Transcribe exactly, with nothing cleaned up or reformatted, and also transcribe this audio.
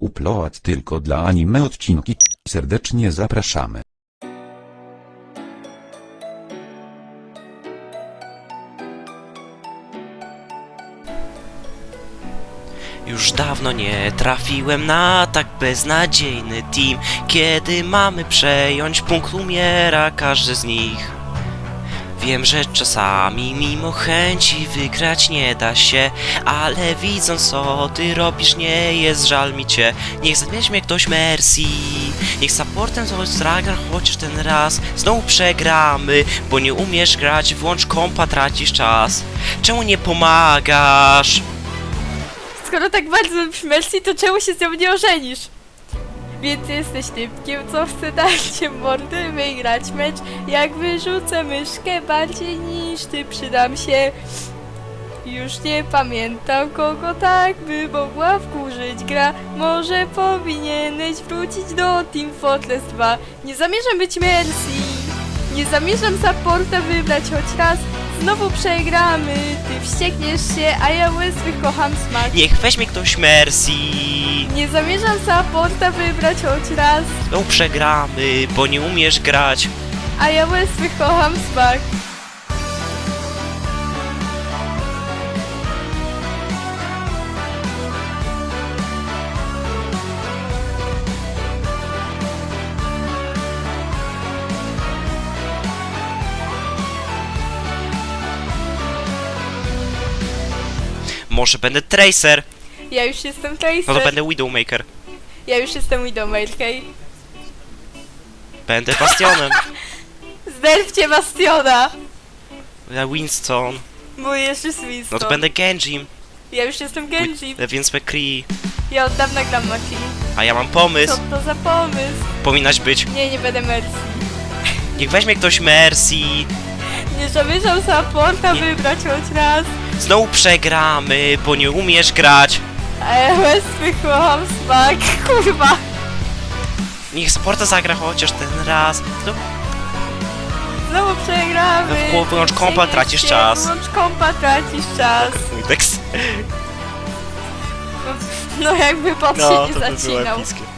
upload tylko dla anime odcinki. Serdecznie zapraszamy. Już dawno nie trafiłem na tak beznadziejny team. Kiedy mamy przejąć punkt, umiera każdy z nich. Wiem, że czasami mimo chęci wygrać nie da się, ale widząc co ty robisz, nie jest żal mi cię. Niech weźmie ktoś Mercy, niech supportem coś zagra chociaż ten raz. Znowu przegramy, bo nie umiesz grać, włącz kompa, tracisz czas. Czemu nie pomagasz? Skoro tak bardzo lubisz Mercy, to czemu się z nią nie ożenisz? Więc jesteś typkiem, co chce dać cię mordy, wygrać mecz. Jak wyrzucę myszkę bardziej niż ty, przydam się. Już nie pamiętam, kogo tak by mogła wkurzyć gra. Może powinieneś wrócić do Team Fortress dwa. Nie zamierzam być Mercy. Nie zamierzam supporta wybrać choć raz. Znowu przegramy, ty wściekniesz się, a ja łysy kocham smak. Niech weźmie ktoś Mercy. Nie zamierzam supporta wybrać choć raz, No przegramy, bo nie umiesz grać. a ja łysy kocham smak. Może będę Tracer. Ja już jestem Tracer. No to będę Widowmaker. Ja już jestem Widowmaker. Będę Bastionem. Zderwcie Bastiona! Ja Winston. Mój jeszcze Winston. No to będę Genjim. Ja już jestem Genji. Więc McCree. Ja od dawna gram Maki. A ja mam pomysł. Co to za pomysł? Powinnaś być. Nie, nie będę Mercy. Niech weźmie ktoś Mercy. Nie zamierzam supporta Nie. wybrać choć raz, Znowu przegramy, bo nie umiesz grać. a ja łysy kocham smak. Kurwa. Niech sporta zagra chociaż ten raz. No, Znowu przegramy. No, wyłącz kompa, Wściekniesz tracisz się, czas. Wyłącz kompa, tracisz czas. mój tekst. No jakby pot No, się to nie by było zacinał. epickie.